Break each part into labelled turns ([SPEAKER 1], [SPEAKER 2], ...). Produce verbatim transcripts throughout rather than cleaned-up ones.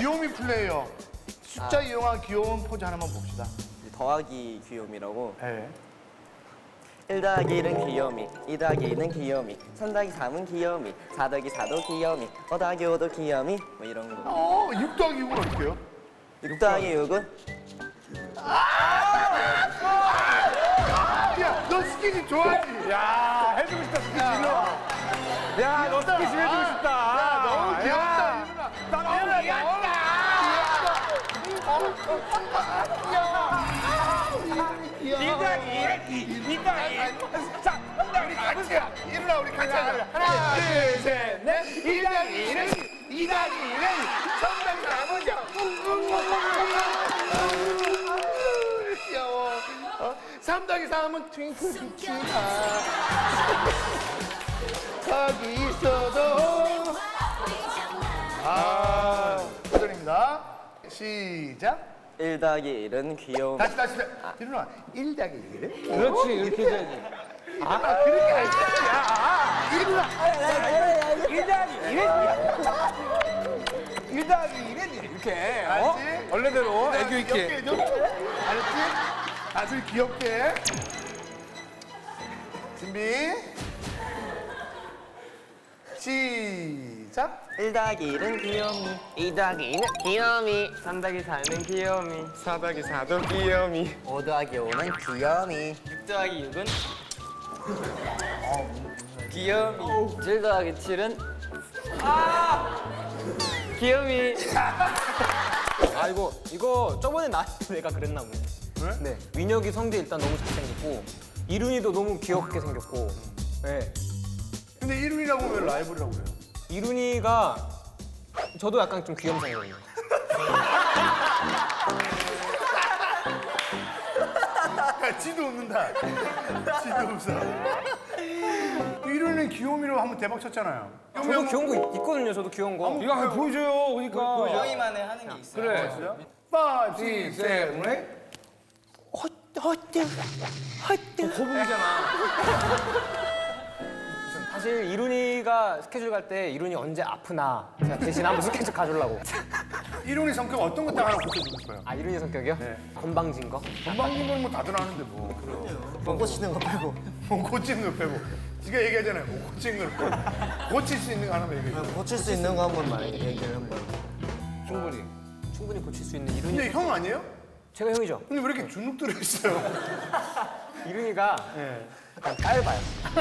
[SPEAKER 1] 귀요미 플레이어. 숫자
[SPEAKER 2] 아.
[SPEAKER 1] 이용한 귀여운 포즈 하나만 봅시다.
[SPEAKER 2] 더하기 귀요미라고.
[SPEAKER 1] 네.
[SPEAKER 2] 일 더하기 일은 귀요미, 이 더하기 이는 귀요미, 삼 더하기 삼은 귀요미, 사 더하기 사도 귀요미, 오 더하기 오도 귀요미 뭐 이런 거.
[SPEAKER 1] 어, 육 더하기 육은 어떻게 해요?
[SPEAKER 2] 육 더하기 육은
[SPEAKER 1] 야, 너 스킨십 좋아하지?
[SPEAKER 3] 야, 해주고 싶다, 스킨십. 야, 너 스킨십 해주고 싶다.
[SPEAKER 1] 야, 너무 귀엽다,
[SPEAKER 3] 야.
[SPEAKER 1] 이누나.
[SPEAKER 3] 나 너무 귀엽다. 이 더하기 일, 이 더하기 일. 자,
[SPEAKER 1] 우리 같이 해. 이누나, 우리 같이 하자. 하나, 둘, 셋, 넷. 일 더하기 일은, 이 더하기 일은 정답이 나머지야. 귀여워. 어? 삼 더하기 삼은 트윙클 빛이다. 거기 있어도. 아, 도전입니다. 시작.
[SPEAKER 2] 일 더하기 일은 귀요미.
[SPEAKER 1] 다시, 다시. 이누나, 일 더하기 일은?
[SPEAKER 3] 그렇지, 이렇게 해야지.
[SPEAKER 1] 아, 그렇게 할 거야. 이누나.
[SPEAKER 3] 일 더하기 일은 일 더하기 일은 이렇게. 어?
[SPEAKER 1] 알지?
[SPEAKER 3] 원래대로 애교
[SPEAKER 1] 귀엽게
[SPEAKER 3] 있게.
[SPEAKER 1] 해줘. 알았지? 아주 귀엽게. 준비. 시작.
[SPEAKER 2] 일 더하기 일은 귀요미, 이 더하기 이는 귀요미, 삼 더하기 사는 귀요미,
[SPEAKER 3] 사 더하기 사도 귀요미.
[SPEAKER 2] 오 더하기 오는 귀요미,
[SPEAKER 4] 육 더하기 육은
[SPEAKER 2] 귀요미,
[SPEAKER 4] 칠 더하기 칠은 아! 귀요미.
[SPEAKER 5] 아 이거 이거 저번에 나한테 내가 그랬나 보네.
[SPEAKER 1] 왜?
[SPEAKER 5] 네. 민혁이 성대 일단 너무 잘생겼고 이룬이도 너무 귀엽게 생겼고. 네.
[SPEAKER 1] 근데 이름이라고 왜 라이브라고 그래요?
[SPEAKER 5] 이룬이가 저도 약간 좀 귀염상이거든요.
[SPEAKER 1] 야, 지도 웃는다. 지도 웃어. 이름은 귀요미로 한번 대박 쳤잖아요.
[SPEAKER 5] 저도 귀여운 거 있, 있거든요. 저도 귀여운 거.
[SPEAKER 3] 이거 한번 보여줘요, 그러니까.
[SPEAKER 4] 저희만의 하는 게 있어요.
[SPEAKER 3] 그래.
[SPEAKER 1] 파, 시, 셋, 넷.
[SPEAKER 3] 거북이잖아.
[SPEAKER 5] 사실 이룬이가 스케줄 갈 때 이룬이 언제 아프나 제가 대신 한번 스케줄 가주려고.
[SPEAKER 1] 이름이 성격 어떤 것 딱 하나 고쳐주고 싶어요.
[SPEAKER 5] 아 이룬이 성격이요?
[SPEAKER 1] 네.
[SPEAKER 5] 건방진 거?
[SPEAKER 1] 건방진 건 뭐 다들 아는데 뭐.
[SPEAKER 2] 못 고치는 거 빼고.
[SPEAKER 1] 뭐 고치는 거 빼고. 지가 얘기하잖아요. 뭐 고치는 걸 빼고. 고칠 수 있는 거 하나만 얘기해.
[SPEAKER 2] 고칠 수 있는 거 한 번만 얘기를 한 번.
[SPEAKER 3] 충분히.
[SPEAKER 5] 충분히 고칠 수 있는 이룬이.
[SPEAKER 1] 근데 형 아니에요?
[SPEAKER 5] 제가 형이죠.
[SPEAKER 1] 근데 왜 이렇게 주눅 들어 있어요?
[SPEAKER 5] 이룬이가
[SPEAKER 1] 네.
[SPEAKER 5] 약간 깔봐요.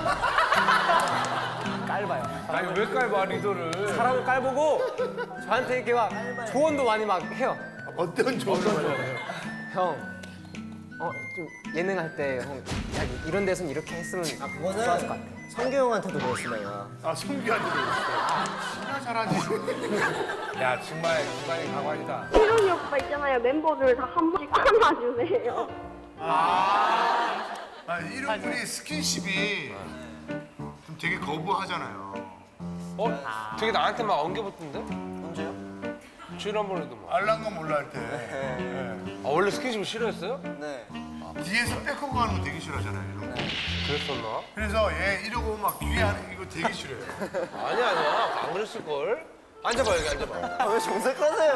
[SPEAKER 5] 깔봐요.
[SPEAKER 3] 아니, 왜 깔봐, 리더를.
[SPEAKER 5] 사람을 깔보고 저한테 이렇게 막 조언도 많이 막 해요.
[SPEAKER 1] 어떤 조언을 받아요?
[SPEAKER 5] 형, 어, 좀 예능 할 때 형, 야, 이런 데선 이렇게 했으면 좋았을 것
[SPEAKER 2] 그거는
[SPEAKER 5] 같아.
[SPEAKER 2] 성규 형한테도 그랬어 내가.
[SPEAKER 1] 아, 성규한테도 있어요. 진짜 잘하지.
[SPEAKER 3] 야, 정말, 정말 가관이다.
[SPEAKER 6] 희룡이 오빠 있잖아요. 멤버들 다 한 번씩 안아주세요.
[SPEAKER 1] 아, 아 이런 분이 스킨십이 좀 되게 거부하잖아요.
[SPEAKER 3] 어? 되게 나한테 막 엉겨붙던데?
[SPEAKER 2] 언제요?
[SPEAKER 3] 지난번에도 막.
[SPEAKER 1] 알랑가 몰라 할 때. 네.
[SPEAKER 3] 아, 원래 스킨십을 싫어했어요?
[SPEAKER 2] 네.
[SPEAKER 1] 뒤에서 백허그 하는 거 되게 싫어하잖아요. 이런 거.
[SPEAKER 3] 그랬었나?
[SPEAKER 1] 그래서 얘 이러고 막 뒤에 하는 이거 되게 싫어해요.
[SPEAKER 3] 아니야, 아니야. 안 그랬을걸? 앉아봐, 여기 앉아봐.
[SPEAKER 2] 아, 왜 정색하세요?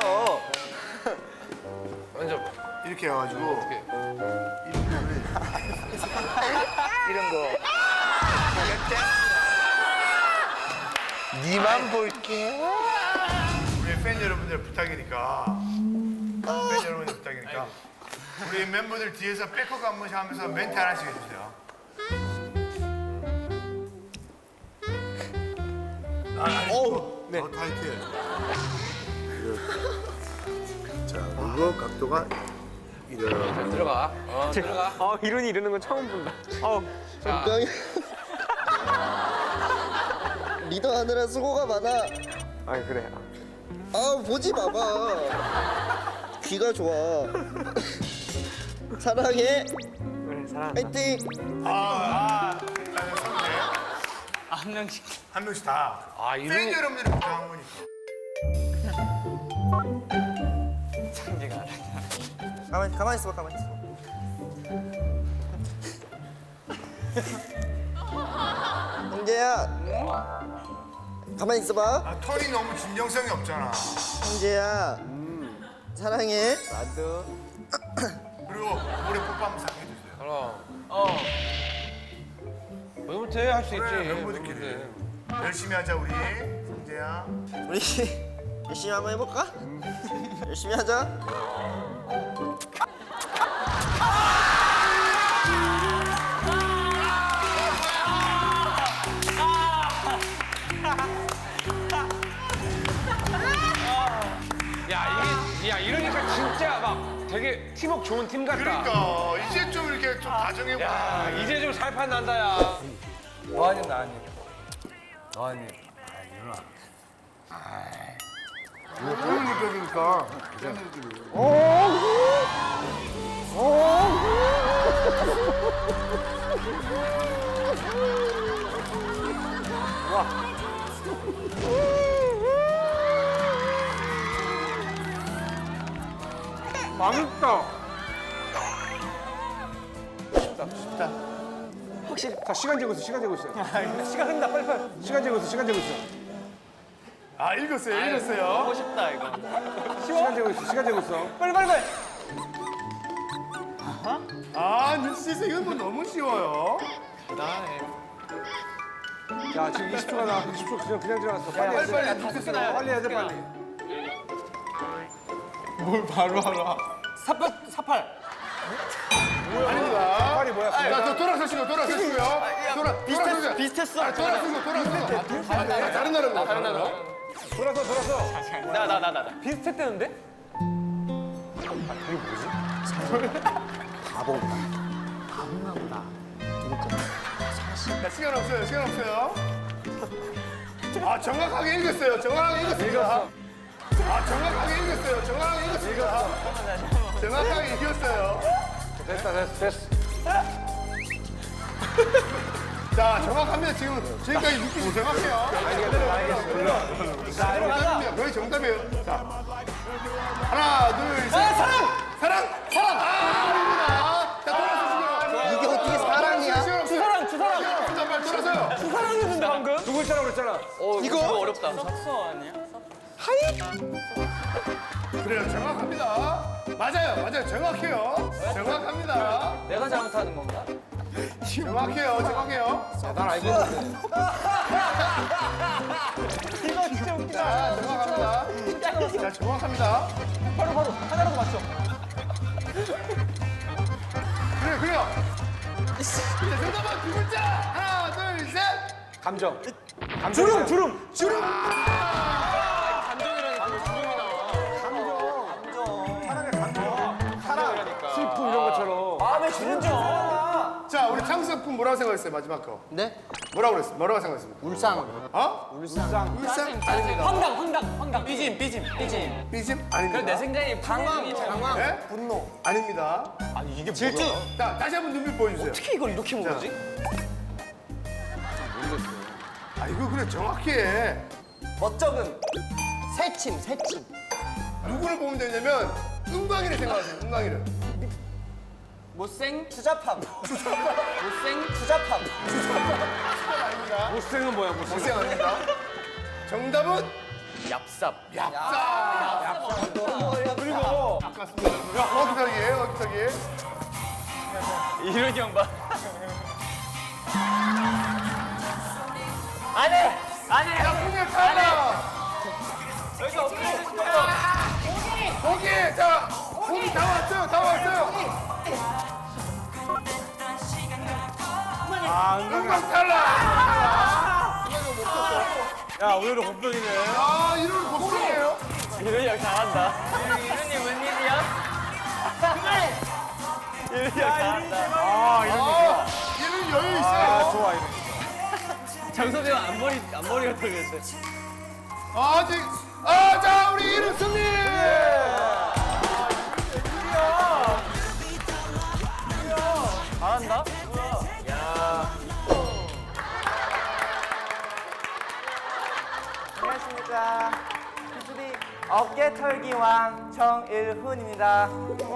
[SPEAKER 3] 앉아봐.
[SPEAKER 1] 이렇게 해가지고
[SPEAKER 3] 어떻게?
[SPEAKER 1] 이러면은 이런 거. 니만 볼게. 우리 팬 여러분들 부탁이니까. 팬 여러분들 부탁이니까. 우리 멤버들 뒤에서 백허그 한 번씩 하면서 멘트 하나씩 해주세요. 아, 오, 네. 더 타이트해. 자, 그리고 각도가 이렇게.
[SPEAKER 3] 들어가. 어, 들어가.
[SPEAKER 5] 어, 이룬이 이러는 건 처음 본다. 어,
[SPEAKER 3] 자,
[SPEAKER 2] 리더 하느라 수고가 많아.
[SPEAKER 5] 아 그래.
[SPEAKER 2] 아 보지 마봐. 귀가 좋아. 사랑해.
[SPEAKER 5] 그래, 사랑.
[SPEAKER 2] 파이팅.
[SPEAKER 1] 아, 아, 일단은 선배.
[SPEAKER 4] 한 명씩.
[SPEAKER 1] 한 명씩 다.
[SPEAKER 3] 아,
[SPEAKER 1] 팬
[SPEAKER 3] 이름이.
[SPEAKER 1] 여러분들이 부탁한 거니까.
[SPEAKER 2] 가만 가만 있어봐 가만 있어. 형제야. 가만히 있어봐.
[SPEAKER 1] 아, 톤이 너무 진정성이 없잖아.
[SPEAKER 2] 형제야. 사랑해.
[SPEAKER 3] 나도.
[SPEAKER 1] 그리고 우리 뽀뽀 한번 싹 해주세요.
[SPEAKER 3] 그럼. 어. 너무 돼, 할 수 있지.
[SPEAKER 1] 그래, 멤버들끼리. 열심히 하자, 우리. 성재야.
[SPEAKER 2] 우리 열심히 한번 해볼까? 열심히 하자.
[SPEAKER 3] 야, 이게, 야, 이러니까 진짜 막 되게 팀워크 좋은 팀 같다.
[SPEAKER 1] 그러니까 이제 좀 이렇게 좀 다정해보자.
[SPEAKER 3] 야, 이제 좀 살판 난다, 야. 너 아니, 나 아니. 너 아니.
[SPEAKER 1] 이거 뼈는 느껴지니까.
[SPEAKER 3] 맛있다.
[SPEAKER 2] 확실히.
[SPEAKER 3] 자, 시간 재고 있어, 시간 재고 있어. 시간 흐른다, 빨리 빨리. 시간 재고 있어, 시간 재고 있어.
[SPEAKER 1] 아, 읽었어요, 읽었어요.
[SPEAKER 4] 하고 싶다 이거.
[SPEAKER 3] 시간 재고 있어, 시간 재고 있어.
[SPEAKER 4] 빨리 빨리 빨리.
[SPEAKER 1] 아, 눈치채서 이건 뭐 너무 쉬워요.
[SPEAKER 3] 야, 지금 이십 초가 나, 이십 초 그냥, 그냥 지나갔어. 빨리 해야 돼.
[SPEAKER 1] 빨리, 빨리, 빨리.
[SPEAKER 3] 빨리 해야 돼, 빨리.
[SPEAKER 4] 사팔 사팔.
[SPEAKER 1] 아닙니다.
[SPEAKER 3] 빨리 뭐야?
[SPEAKER 1] 자, 저 돌아서시고, 돌아서시고요. 돌아, 돌아서세요.
[SPEAKER 4] 비슷했어.
[SPEAKER 1] 아, 돌아서고, 돌아서고. 아, 네, 다른 나라입니다. 다른 나라.
[SPEAKER 3] 돌아서, 돌아서.
[SPEAKER 4] 나 나 나 나 나.
[SPEAKER 3] 비슷했대는데?
[SPEAKER 1] 자, 시간 없어요, 시간 없어요. 아, 정확하게 읽었어요, 정확하게 읽었습니다. 아, 정확하게 읽었어요, 정확하게 읽었습니다. 정확하게 읽었어요.
[SPEAKER 3] 됐다, 됐어, 됐어.
[SPEAKER 1] 자, 정확합니다. 지금 지금까지 느낌이 정확해요. 자, 정답입니다. 거의 정답이에요. 자, 하나, 둘, 셋. 사랑! 사랑! 사랑! 아, 아닙니다. 자, 돌아서시고요.
[SPEAKER 2] 이게 어떻게 사랑이야?
[SPEAKER 1] 주사랑, 주사랑. 주사랑, 빨리 돌아서요.
[SPEAKER 4] 사랑했는데 방금?
[SPEAKER 3] 두 글자라고 그랬잖아.
[SPEAKER 4] 어 이거 이거 어렵다. 석서 아니야?
[SPEAKER 1] 그래요, 정확합니다. 맞아요, 맞아요. 정확해요. 정확합니다.
[SPEAKER 4] 내가 잘못하는 건가?
[SPEAKER 1] 정확해요, 정확해요.
[SPEAKER 3] 난 알고 있는데.
[SPEAKER 4] 이거 진짜 웃기다.
[SPEAKER 1] 자, 정확합니다. 자, 정확합니다.
[SPEAKER 4] 바로 바로 하나라도 맞춰.
[SPEAKER 1] 그래요, 그래요. 자, 정답은 두 글자. 하나, 둘, 셋.
[SPEAKER 3] 감정.
[SPEAKER 1] 주름, 주름, 주름.
[SPEAKER 4] 감정이라니까 감정이 나와.
[SPEAKER 3] 사랑, 슬픔 이런 것처럼.
[SPEAKER 4] 마음에 주는 점.
[SPEAKER 1] 자, 우리 창석군 뭐라고 생각했어요, 마지막 거?
[SPEAKER 2] 네?
[SPEAKER 1] 뭐라고 그랬어요? 뭐라고 생각했습니까?
[SPEAKER 2] 울상.
[SPEAKER 1] 어?
[SPEAKER 3] 울상.
[SPEAKER 1] 울상?
[SPEAKER 4] 황당 황당 황당. 삐짐 삐짐 삐짐.
[SPEAKER 1] 삐짐? 아닙니다.
[SPEAKER 4] 내 생각에 방황 방황.
[SPEAKER 1] 네? 분노. 아닙니다.
[SPEAKER 4] 아니 이게 질투.
[SPEAKER 1] 자, 다시 한번 눈빛 보여주세요.
[SPEAKER 4] 어떻게 이걸 이렇게 모르지?
[SPEAKER 1] 아, 이거 그래, 정확히 해.
[SPEAKER 2] 멋쩍음. 새침, 새침.
[SPEAKER 1] 누구를 보면 되냐면, 은광이를 생각하세요, 은광이를.
[SPEAKER 4] 못생
[SPEAKER 2] 추잡함.
[SPEAKER 4] 못생
[SPEAKER 2] 추잡함.
[SPEAKER 1] 아닙니다.
[SPEAKER 3] 못생은 뭐야, 못생.
[SPEAKER 1] 고생 아닙니다. 정답은
[SPEAKER 4] 얍삽.
[SPEAKER 1] 얍삽. 그리고 아깝습니다. 야, 어기서기예요, 어기서기.
[SPEAKER 4] 이런 형 봐. 안해 안해.
[SPEAKER 1] 야, 풍년 타라.
[SPEAKER 4] 여기 없는 거야.
[SPEAKER 1] 고기, 자, 고기 다 왔어요, 다 왔어요.
[SPEAKER 3] 아,
[SPEAKER 1] 은광 탈락.
[SPEAKER 3] 야, 오늘은 곱병이네.
[SPEAKER 1] 아, 이런 곡성이에요.
[SPEAKER 4] 이런 형 잘한다. 이런이 웬일이야? 이런 형 잘한다.
[SPEAKER 3] 아, 이런 거 좋아.
[SPEAKER 1] 아, 얘는 여유
[SPEAKER 3] 아,
[SPEAKER 1] 있어요.
[SPEAKER 3] 좋아, 이런 거.
[SPEAKER 4] 장섭이 형 앞머리 앞머리가 털렸어.
[SPEAKER 1] 아직, 아, 자, 우리 이름 승리.
[SPEAKER 4] 잘한다.
[SPEAKER 2] 안녕하십니까. 피쓰리 어깨 털기 왕 정일훈입니다.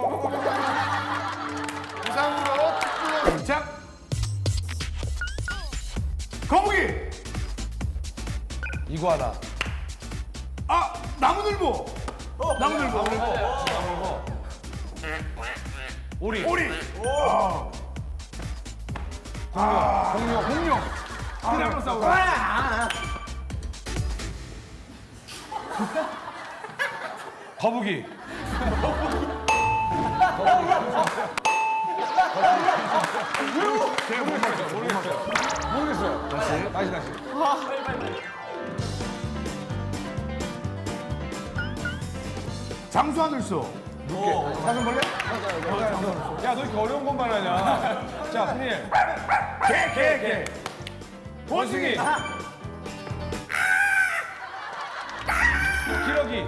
[SPEAKER 1] 부상으로 축구로 시작. 거북이.
[SPEAKER 3] 이구아나.
[SPEAKER 1] 아 나무늘보. 나무늘보.
[SPEAKER 3] 나무늘보. 오리.
[SPEAKER 1] 오리.
[SPEAKER 3] 아, 공룡. 공룡. 티라노사우루스. 거북이. 모르겠어요. 모르겠어요. 다시, 다시, 다시.
[SPEAKER 1] 장수하늘소.
[SPEAKER 3] 사슴벌레? 야, 너 이렇게 어려운 것만 하냐? 자, 프니엘. 개, 개, 개. 원숭이. 기러기.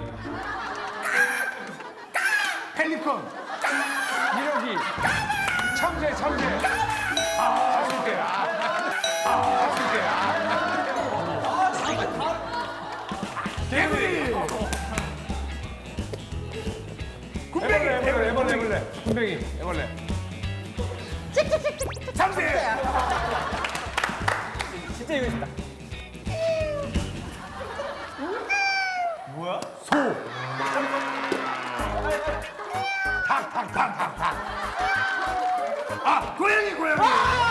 [SPEAKER 1] 펠리컨.
[SPEAKER 3] 이러기. 참새, 참새. 아, 참새. 아, 참새.
[SPEAKER 1] 개구리.
[SPEAKER 3] 애벌레, 애벌레, 애벌레, 애벌레. 군뱅이, 애벌레.
[SPEAKER 1] 참새.
[SPEAKER 4] 진짜 이거 싶다.
[SPEAKER 1] 아 고양이 고양이.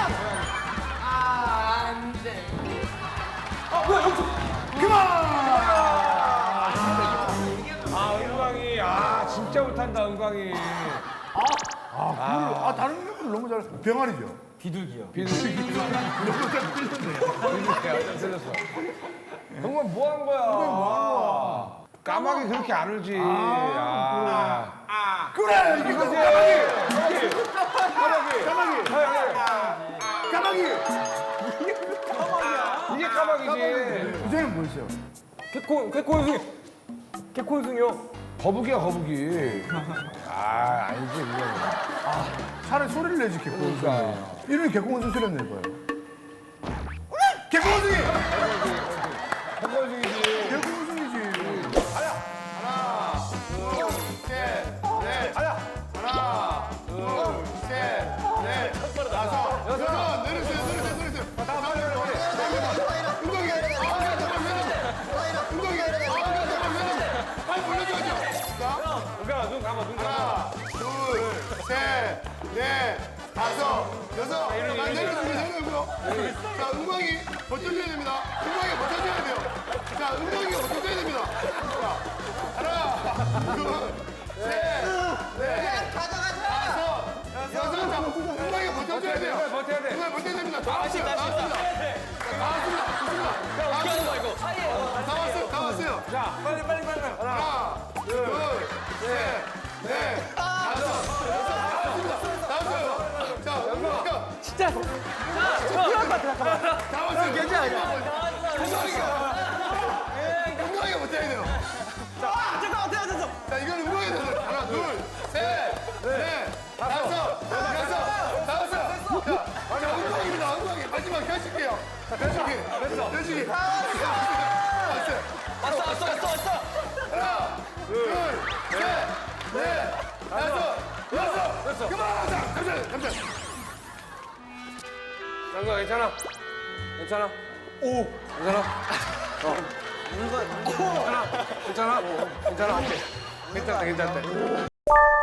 [SPEAKER 3] 아, 은광이. 아, 진짜 못한다, 은광이.
[SPEAKER 1] 아 다른 멤버들 너무 잘해. 병아리죠.
[SPEAKER 4] 비둘기요.
[SPEAKER 3] 비둘기.
[SPEAKER 1] 너무 잘 틀렸네.
[SPEAKER 3] 비둘기야, 틀렸어. 정말 뭐 한 거야? 뭐 까마귀 그렇게 안 울지. 아.
[SPEAKER 1] 그래 이게
[SPEAKER 3] 이거지.
[SPEAKER 1] 까마귀. 까마귀.
[SPEAKER 3] 까마귀.
[SPEAKER 1] 까마귀.
[SPEAKER 3] 이게 까마귀지.
[SPEAKER 1] 그전엔 뭐였어요?
[SPEAKER 4] 개코 개코원숭이. 개코원숭이요.
[SPEAKER 3] 거북이야, 거북이. 아, 아니지, 그거.
[SPEAKER 1] 차라리 소리를 내지 개코원숭이.
[SPEAKER 3] 그러니까.
[SPEAKER 1] 이름이 개코원숭이 소리 낼 거예요. 개코원숭이.
[SPEAKER 3] 헛걸숭이지.
[SPEAKER 1] 개코원숭이지. 하나, 둘, 셋, 넷. 하나, 둘, 셋, 넷, 다섯, 여섯. 내리세요, 내리세요, 내리세요. 다음 내려. 운동이. 아, 잠깐만. 운동이. 아, 잠깐만. 빨리 올려줘야죠. 자.
[SPEAKER 3] 은광아, 눈 감아, 눈 감아.
[SPEAKER 1] 하나, 둘, 셋, 넷, 다섯, 여섯. 자, 내려주고, 내려주고요. 자, 은광이 버텨줘야 됩니다. 은광이 버텨줘야 돼요. 자, 은광이가 버텨줘야 됩니다. 자, 하나, 둘, 셋, 넷, 다섯, 여섯. 자, 은광이가 버텨줘야 돼요.
[SPEAKER 3] 버텨야 돼.
[SPEAKER 1] 은광이 버텨야 됩니다. 다 왔어요, 다 왔습니다. 자, 다 왔습니다. 좋습니다. 다 왔어요. 다 왔어요, 다 왔어요.
[SPEAKER 3] 자, 빨리, 빨리, 빨리.
[SPEAKER 1] 하나, 둘, 셋, 넷, 다섯, 여섯, 다섯입니다. 다섯이요. 자, 은광이가
[SPEAKER 4] 진짜.
[SPEAKER 1] 다 왔어요. 괜찮아요. 은광이가 은광이가 못해야 돼요.
[SPEAKER 4] 잠깐만 태워졌어.
[SPEAKER 1] 자, 이거는 은광이 돼서 하나, 둘, 셋, 넷, 다섯, 여섯, 다섯. 자, 자, 은광입니다. 은광이 마지막 펼칠게요. 자, 펼치기, 펼치기. 왔어요.
[SPEAKER 4] 왔어 왔어 왔어 왔어.
[SPEAKER 1] 하나, 둘, 셋, 넷, 다섯, 여섯. 그만. 자, 잠시만, 잠시만.
[SPEAKER 3] 은광아, 괜찮아? 괜찮아? 오! 괜찮아? 어. 괜찮아? 괜찮아? 괜찮아? 괜찮다, 괜찮다.